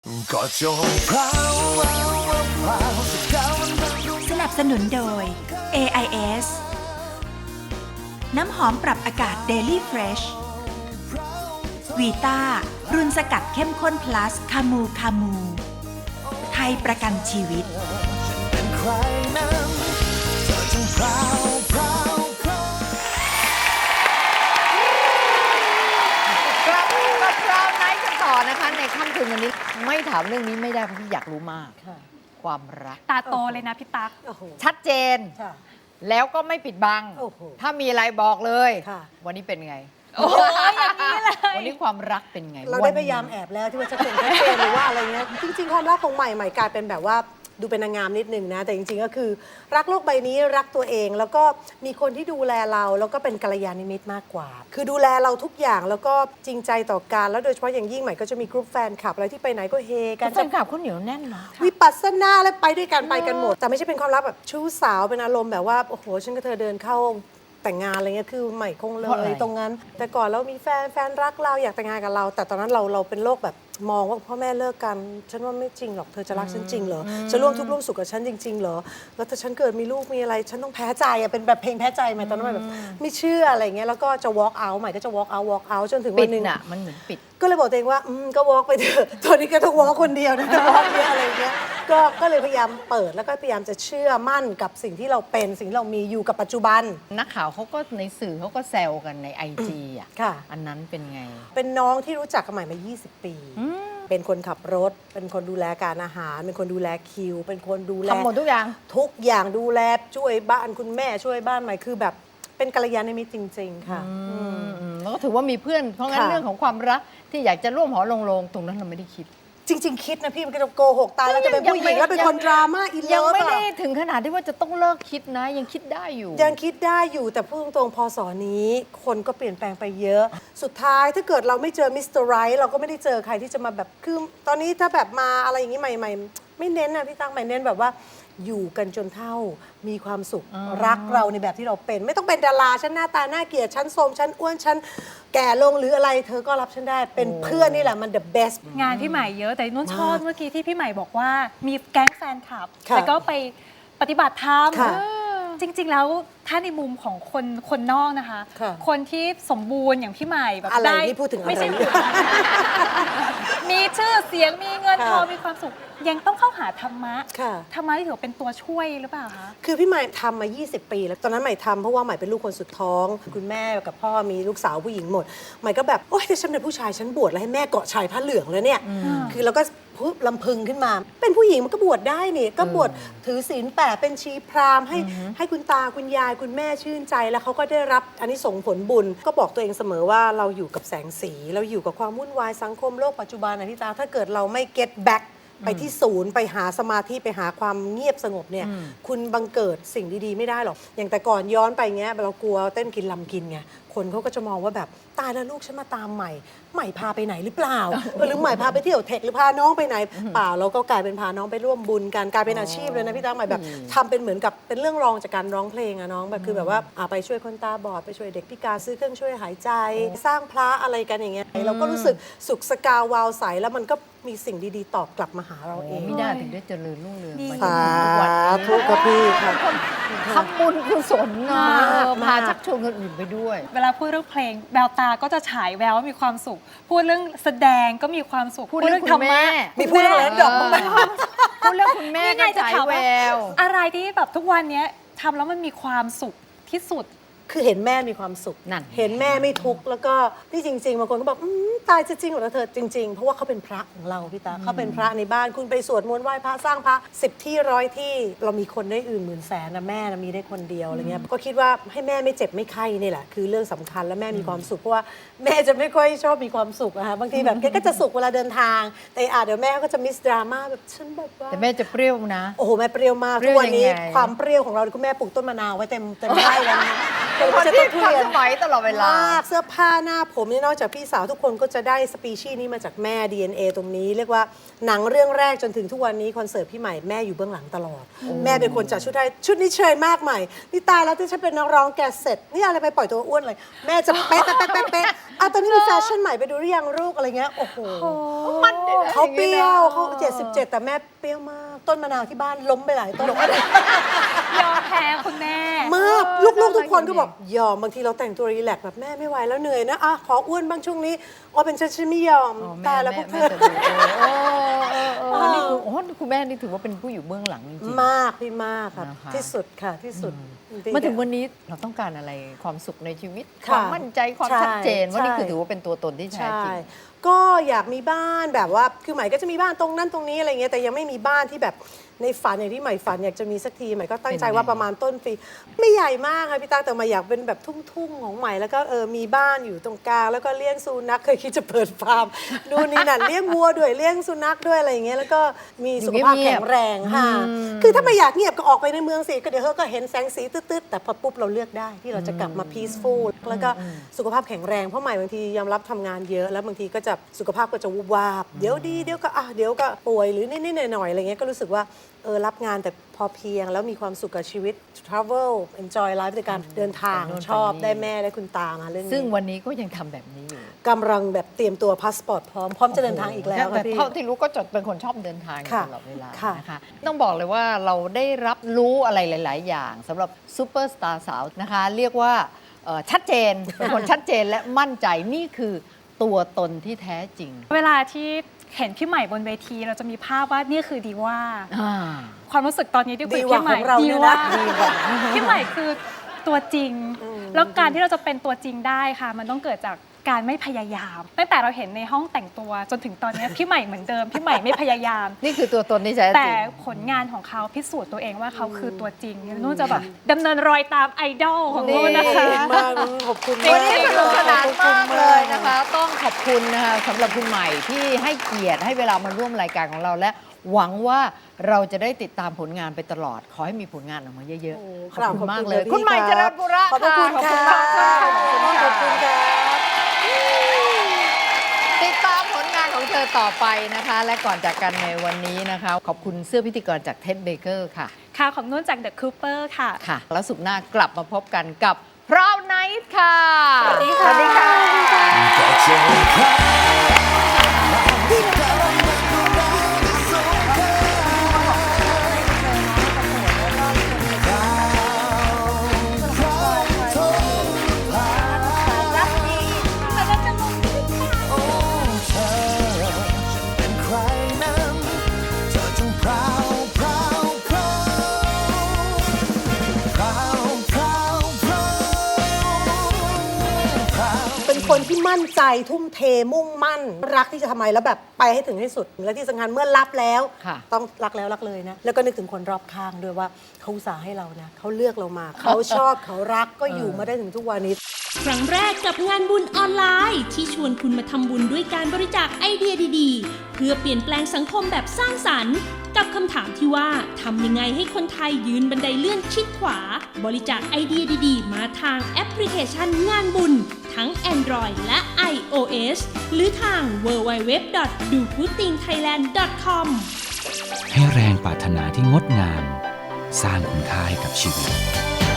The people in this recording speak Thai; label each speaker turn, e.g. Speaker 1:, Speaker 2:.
Speaker 1: ก็จงพราวพราวสักคราวมันดู
Speaker 2: สนับสนุนโดย AIS น้ำหอมปรับอากาศ Daily Fresh วีต้ารุ่นสกัดเข้มข้น plus คามูคามู ไทยประกันชีวิต
Speaker 1: ฉันเป็นใครนั้นเธอจงพราวพราวพราว
Speaker 3: กลับมาพราวไนท์กันต่อนะคะในค่ำคืนวันนี้ไม่ถามเรื่องนี้ไม่ได้เพราะพี่อยากรู้มาก ความรัก
Speaker 4: ตาโตเลยนะพี่ตั๊ก
Speaker 3: ชัดเจน
Speaker 5: ค่ะ
Speaker 3: แล้วก็ไม่ปิดบัง
Speaker 5: โอ้โห
Speaker 3: ถ้ามีอะไรบอกเลย
Speaker 5: ค่ะ
Speaker 3: วันนี้เป็นไง
Speaker 4: โอ้ยอย่างนี้เลย
Speaker 3: วันนี้ความรักเป็นไง
Speaker 5: เราได้พยายามแอบแล้วที่ว่าจะเป็นแค่เฟนหรือว่าอะไรเงี้ยจริงๆความรักของใหม่กลายเป็นแบบว่าดูเป็นนางงามนิดนึงนะแต่จริงๆก็คือรักโลกใบนี้รักตัวเอง แล้วก็มีคนที่ดูแลเราแล้วก็เป็นกัลยาณมิตรมากกว่า คือดูแลเราทุกอย่างแล้วก็จริงใจต่อกันแล้วโดยเฉพาะอย่างยิ่งใหม่ก็จะมีกลุ่มแฟนคลับอะไรที่ไปไหนก็เฮกัน
Speaker 3: แฟนคลับเขาเหนียวแน่นเนาะ
Speaker 5: วิปัสสนาและไปด้วยกันไปกันหมด แต่ไม่ใช่เป็นความรักแบบชู้สาวเป็นอารมณ์แบบว่าโอ้โหฉันกับเธอเดินเข้าแต่งงานอะไรเงี้ยคือใหม่คงเล
Speaker 3: เพราะอะไร
Speaker 5: ยตรงนั้น แต่ก่อนเรามีแฟนรักเราอยากแต่งงานกับเรา แต่ตอนนั้นเราเป็นโรคแบบมองว่าพ่อแม่เลิกกัน ฉันว่าไม่จริงหรอกเธอจะรักฉันจริงเหรอจะร่วมทุกข์ร่วมสุขกับฉันจริงๆเหรอแล้วถ้าฉันเกิดมีลูกมีอะไรฉันต้องแพ้ใจอะเป็นแบบเพลงแพ้ใจใหม่ตอนนั้นใหม่แบบไม่เชื่ออะไรเงี้ยแล้วก็จะ walk out ใหม่ก็จะ walk out จนถึง
Speaker 3: ปิ
Speaker 5: วั
Speaker 3: ด
Speaker 5: นหนึ่ง
Speaker 3: น่ะมันเหมือนปิด
Speaker 5: ก็เลยบอกตัวเองว่าก็ walk ไปเถอะ ตอนนี้ก็ต้อง walk คนเดียวนะ walk เยอะอะไรอย่างเงี้ยก็เลยพยายามเปิดแล้วก็พยายามจะเชื่อมั่นกับสิ่งที่เราเป็นสิ่งที่เรามีอยู่กับปัจจุบัน
Speaker 3: นักข่าวเขาก็ในสื่อเขาก็แซวกันในIG อ่ะ
Speaker 5: ค่ะ
Speaker 3: อันนั้นเป็นไง
Speaker 5: เป็นน้องที่รู้จักกันใหม่มา 20 ปี เป็นคนขับรถ เป็นคนดูแลการอาหาร เป็นคนดูแลคิว เป็นคนดูแล
Speaker 3: ทำหมดทุกอย่าง
Speaker 5: ทุกอย่างดูแลช่วยบ้านคุณแม่ช่วยบ้านใหม่คือแบบเป็นกัลยาณมิตรจริง ๆ ค่ะ
Speaker 3: แล้วก็ถือว่ามีเพื่อน เพราะงั้น
Speaker 5: ค่ะ
Speaker 3: เรื่องของความรักที่อยากจะร่วมหอลงโลงตรงนั้นเราไม่ได้คิด
Speaker 5: จริง ๆ คิดนะพี่มันก็จะโกหกตายแล้วจะเป็นผู้หญิงแล้วเป็นคนดราม่าอินเลิฟ
Speaker 3: ยังไม่ได้ถึงขนาดที่ว่าจะต้องเลิกคิดนะ ยังคิดได้อยู่
Speaker 5: ยังคิดได้อยู่แต่พูดตรงๆพอสอนี้ คนก็เปลี่ยนแปลงไปเยอะ สุดท้ายถ้าเกิดเราไม่เจอมิสเตอร์ไรท์เราก็ไม่ได้เจอใครที่จะมาแบบคือตอนนี้ถ้าแบบมาอะไรอย่างนี้ใหม่ๆ ไม่เน้นนะพี่ตั้งใหม่เน้นแบบว่าอยู่กันจนเท่ามีความสุขรักเราในแบบที่เราเป็น ไม่ต้องเป็นดาราฉันหน้าตาน่าเกลียดฉันโทรมฉันอ้วนฉันแก่ลงหรืออะไรเธอก็รับฉันได้เป็นเพื่อนนี่แหละมัน the best
Speaker 4: งานพี่ใหม่เยอะแต่นุ่นชอบเมื่อกี้ที่พี่ใหม่บอกว่ามีแก๊งแฟนคลับ
Speaker 5: ค่ะ
Speaker 4: แล้วก็ไปปฏิบัติธรรม
Speaker 5: ค่ะ
Speaker 4: จริง ๆ แล้วถ้าในมุมของคนนอกนะคะ
Speaker 5: ค่ะ
Speaker 4: คนที่สมบูรณ์อย่างพี่ใหม่แบบ
Speaker 5: อะไร
Speaker 4: ได้
Speaker 5: นี่พูดถึงอะไร
Speaker 4: ไม่ใช่ มีชื่อเสียงมีเงิน
Speaker 5: ค่ะ
Speaker 4: ทองมีความสุข ยังต้องเข้าหาธรรมะ
Speaker 5: ค่ะ
Speaker 4: ธรรมะที่ถือว่าเป็นตัวช่วยหรือเปล่าคะ
Speaker 5: คือพี่ใหม่ทำมา 20 ปีแล้ว ตอนนั้นใหม่ทำเพราะว่าใหม่เป็นลูกคนสุดท้อง คุณแม่กับพ่อมีลูกสาวผู้หญิงหมด ใหม่ก็แบบ โอ๊ยถ้าฉันเป็นผู้ชายฉันบวชแล้วให้แม่เกาะชายผ้าเหลืองแล้วเนี่ย คือเราก็พูดลำพึงขึ้นมา เป็นผู้หญิงมันก็บวชได้นี่ ก็บวชถือศีล8เป็นชีพราหมณ์ให้คุณตาคุณยายคุณแม่ชื่นใจแล้วเขาก็ได้รับอันนี้ส่งส์ผลบุญ ก็บอกตัวเองเสมอว่าเราอยู่กับแสงสี เราอยู่กับความวุ่นวายสังคมโลกปัจจุบันนะพี่ตาถ้าเกิดเราไม่ get backไปที่ศูนย์ไปหาสมาธิไปหาความเงียบสงบเนี่ยคุณบังเกิดสิ่งดีๆไม่ได้หรอก อย่างแต่ก่อนย้อนไปเงี้ยเรากลัวเต้นกินลำกินไงคนเขาก็จะมองว่าแบบตายแล้วลูกฉันมาตามใหม่พาไปไหนหรือเปล่าหรือใหม่พาไปเที่ยวเทคหรือพาน้องไปไหนเปล่าเราก็กลายเป็นพาน้องไปร่วมบุญกันกลายเป็นอาชีพเลยนะพี่ตั้งใหม่แบบทำเป็นเหมือนกับเป็นเรื่องรองจากการร้องเพลงอะน้องแบบคือแบบว่าไปช่วยคนตาบอดไปช่วยเด็กพิการซื้อเครื่องช่วยหายใจ สร้างพระอะไรกันอย่างเงี้ยเราก็รู้สึกสุขสกาวาวใสแล้วมันก็มีสิ่งดีๆตอบกลับมาหาเราเอง
Speaker 3: ไม่ได้ถึงได้เจริญรุ่งเรืองมาจน
Speaker 5: สา
Speaker 3: ถึงทุกวันนี้
Speaker 5: ธุกับพี่ค่ะ
Speaker 3: ทำบุญกุศลเนาะ
Speaker 5: มาก
Speaker 3: พาชักชวนคนอื่นไปด้วย
Speaker 4: เวลาพูดเรื่องเพลงแววตาก็จะฉายแววว่ามีความสุข พูดเรื่องแสดงก็มีความสุข
Speaker 3: พูดเรื่อง
Speaker 4: ธรร
Speaker 3: คุณแม่
Speaker 4: มะ
Speaker 5: มีพูดเรื่องอะไรดอกบ้างไหม
Speaker 3: พูดเรื่องคุณแม่
Speaker 4: นี่
Speaker 3: ก็
Speaker 4: ไงจะ
Speaker 3: ฉาย
Speaker 4: ถาม
Speaker 3: แว
Speaker 4: ว่าว อะไรที่แบบทุกวันเนี้ยทำแล้วมันมีความสุขที่สุด
Speaker 5: คือเห็นแม่มีความสุข
Speaker 3: นั่น
Speaker 5: เห็นแม่ไม่ทุกข์แล้วก็ที่จริงๆบางคนก็บอกตายจะจริงเหรอเธอจริงๆ เพราะว่าเขาเป็นพระของเราพี่ตาเขาเป็นพระในบ้านคุณไปสวดมนต์ไหว้พระสร้างพระ10 ที่100 ที่เรามีคนได้อื่นหมื่นแสนนะแม่นะมีได้คนเดียวอะไรเงี้ยก็คิดว่าให้แม่ไม่เจ็บไม่ไข้นี่แหละคือเรื่องสำคัญและแม่มีความสุขเพราะว่าแม่จะไม่ค่อยชอบมีความสุขอะค่ะบางทีแบบแกก็จะสุขเวลาเดินทาง แต่เดี๋ยวแม่ก็จะมิสดราม่าแบบฉันแบบว่า
Speaker 3: แต่แม่จะเปรี้ยวนะ
Speaker 5: โอ้โหแม่เปรี้ยวมาก
Speaker 3: เปรี้
Speaker 5: ทุ
Speaker 3: ยว
Speaker 5: กวันนี้
Speaker 3: ยังไง
Speaker 5: ความเปรี้ยวของเราคุณแม่ปลูกต้นมะนาวไว้เต็มไร่แล้วนะเป็น
Speaker 3: คน
Speaker 5: จะ
Speaker 3: ที่
Speaker 5: ต้นทุ
Speaker 3: ทัน
Speaker 5: เรียน
Speaker 3: สมัยตลอดเวลา
Speaker 5: มากเสื้อผ้าหน้าผมนี่นอกจากพี่สาวทุกคนก็จะได้สปีชีส์นี้มาจากแม่ DNA ตรงนี้ เรียกว่าหนังเรื่องแรกจนถึงทุกวันนี้คอนเสิร์ตพี่ใหม่แม่อยู่เบื้องหลังตลอด แม่เป็นคนจัดชุดให้ชุดนี้เชยมากใหม่นี่ตายแล้วที่ฉันเป็นนักร้องแกเสร็จนี่อะไรไปปล่อยตัวอ้วนเลย แม่จะเป๊ะตอนนี้มีแฟชั่นใหม่ไปดูหรือยังลูกอะไรเงี้ยโอ้โห
Speaker 3: มันนี่นะ
Speaker 5: เขาเปรี้ยวเขา
Speaker 3: ออ
Speaker 5: 77 แต่แม่เปรี้ยวมาก ต้นมะนาวที่บ้านล้มไปหลายต้น
Speaker 4: ยอมแพ้คุณแม่
Speaker 5: มากลูกๆทุกคนก็บอกยอมบางทีเราแต่งตัวรีแลกซ์แบบแม่ไม่ไหวแล้วเหนื่อยนะอ่ะขออ้วนบ้างช่วงนี้อ๋อเป็นฉันไม่ยอม
Speaker 3: อ๋อ
Speaker 5: ตายแล้วพวกเธอ
Speaker 3: จะดูนี่คือคุณแม่นี่ถือว่าเป็นผู้อยู่เบื้องหลังจริงๆ
Speaker 5: มากพี่มากครับ
Speaker 3: นะคะ
Speaker 5: ที่สุดค่ะที่สุดจริๆ
Speaker 3: มาถึงวันนี้เราต้องการอะไรความสุขในชีวิต
Speaker 5: ค่ะ
Speaker 3: ความมั่นใจความ
Speaker 5: ใช่
Speaker 3: ชัดเจนว่านี่
Speaker 5: ใช่
Speaker 3: คือถือว่าเป็นตัวตนที่แท้
Speaker 5: ใช่
Speaker 3: จริง
Speaker 5: ก็อยากมีบ้านแบบว่าคือใหม่ก็จะมีบ้านตรงนั้นตรงนี้อะไรเงี้ยแต่ยังไม่มีบ้านที่แบบในฝันอย่างที่ใหม่ฝันอยากจะมีสักทีใหม่ก็ตั้งใจว่าประมาณต้นปีไม่ใหญ่มากค่ะพี่ตาแต่มาอยากเป็นแบบทุ่งๆของใหม่แล้วก็มีบ้านอยู่ตรงกลางแล้วก็เลี้ยงสุนัขเคยคิดจะเปิดฟาร์มดูนนี่นั่นเลี้ยงวัวด้วยเลี้ยงสุนัขด้วยอะไรอย่างเงี้ยแล้วก็มีสุขภาพแข็งแรงค่ะคือถ้าไม่อยากเงียบก็ออกไปในเมืองสิก็เดี๋ยวก็เห็นแสงสีตืดๆแต่พอปุ๊บเราเลือกได้ที่เราจะกลับมา peaceful แล้วก็สุขภาพแข็งแรงเพราะใหม่บางทียอมรับทำงานเยอะแล้วบางทีก็จะสุขภาพก็จะวูบวาบเดี๋ยวดีเดี๋ยวก็ป่วยหรือนิดๆหน่อยๆอะไรเงี้ยก็รู้สึกว่ารับงานแต่พอเพียงแล้วมีความสุขกับชีวิต travel enjoy life ในการเดินทาง
Speaker 3: ไปโน่น
Speaker 5: ชอบ
Speaker 3: ไปนี่
Speaker 5: ได้แม่ได้คุณตามาเรื่องนี้
Speaker 3: ซึ่งวันนี้ก็ยังทำแบบนี้อยู่
Speaker 5: กำลังแบบเตรียมตัวพาสปอร์ตพร้อมจะเดินทางอีกแล้ว
Speaker 3: แต่
Speaker 5: ค่ะพี่
Speaker 3: เท่าที่รู้ก็จะเป็นคนชอบเดินทางอยู่
Speaker 5: ค่ะ
Speaker 3: ตลอดเวลา
Speaker 5: ค่ะ
Speaker 3: นะคะต้องบอกเลยว่าเราได้รับรู้อะไรหลาย ๆ อย่างสำหรับซูเปอร์สตาร์สาวนะคะ เรียกว่าชัดเจนเป็นคนชัดเจนและมั่นใจนี่คือตัวตนที่แท้จริง
Speaker 4: เวลาที่เห็นพี่ใหม่บนเวทีเราจะมีภาพว่านี่คือดีว่า
Speaker 3: อ่า
Speaker 4: ความรู้สึกตอนนี้ที่คุย
Speaker 5: ดี
Speaker 4: กับ
Speaker 5: กว่า
Speaker 4: พี่ใหม่
Speaker 5: ของเรา
Speaker 4: ดี
Speaker 5: เนี่ย
Speaker 4: ว่า
Speaker 5: นะ
Speaker 4: พี่ใหม่คือตัวจริง แล้วการที่เราจะเป็นตัวจริงได้ค่ะ มันต้องเกิดจากการไม่พยายามตั้งแต่เราเห็นในห้องแต่งตัวจนถึงตอนนี้พี่ใหม่เหมือนเดิมพี่ใหม่ไม่พยายาม
Speaker 3: นี่คือตัวตนที่แท้จริง
Speaker 4: แต่ผลงานของเขาพิสูจน์ตัวเองว่าเขาคือตัวจริงนุ่นจะแบบดำเนินรอยตามไอดอลของนุ่นนะคะ
Speaker 5: มากขอบคุณ
Speaker 3: วัน
Speaker 5: มาก
Speaker 3: นี้สนุกสนานมากเลย
Speaker 5: ขอบณ
Speaker 3: นะคะ ต้องขอบคุณนะคะสำหรับคุณใหม่ที่ให้เกียรติให้เวลามาร่วมรายการของเราและหวังว่าเราจะได้ติดตามผลงานไปตลอด ขอให้มีผลงานออกมาเยอะ
Speaker 5: โอ้
Speaker 3: ๆ ขอบคุณมากเลย
Speaker 5: ขอบ
Speaker 3: คุณใหม่เจริญบุระ
Speaker 5: ขอบพระคุณ
Speaker 3: ขอบ
Speaker 5: ค่ะ
Speaker 3: คุณมากค่ะ
Speaker 5: ขอบคุณค่ะ
Speaker 3: ติดตามผลงานของเธอต่อไปนะคะ และก่อนจากกันในวันนี้นะคะ ขอบคุณเสื้อพิธีกรจากเท็ดเบเกอร์ค่ะ
Speaker 4: ค่ะของนุ่นจาก The Cooper ค่ะ
Speaker 3: ค่ะ แล้วสุขหน้ากลับมาพบกันกับพราวไนท์ค่ะ
Speaker 5: สวัสดีค่ะ
Speaker 1: ก็เจอใครโอ้เธอเป็นใครนั้นเธอจงพราวพราวพราวพราวพราวพราวพราว
Speaker 5: เป็นคนที่มั่นใจทุ่มเทมุ่งมั่น รักที่จะทำอะไรแล้วแบบไปให้ถึงที่สุด และที่สำคัญเมื่อรับแล้ว
Speaker 3: ค่ะ
Speaker 5: ต้องรักแล้วรักเลยนะ แล้วก็นึกถึงคนรอบข้างด้วยว่าเขาอุตส่าห์ให้เรานะเขาเลือกเรามา เขาชอบเขารักก็อยู่มาได้ถึงทุกวันนี้
Speaker 6: ครั้งแรกกับงานบุญออนไลน์ ที่ชวนคุณมาทำบุญด้วยการบริจาคไอเดียดีๆ เพื่อเปลี่ยนแปลงสังคมแบบสร้างสรรค์ กับคำถามที่ว่าทำยังไงให้คนไทยยืนบันไดเลื่อนชิดขวา บริจาคไอเดียดีๆ มาทางแอปพลิเคชันงานบุญ ทั้ง Android และ iOS หรือทาง www.dogoodthingthailand.com
Speaker 7: ให้แรงปรารถนาที่งดงาม สร้างคุณค่าให้กับชีวิต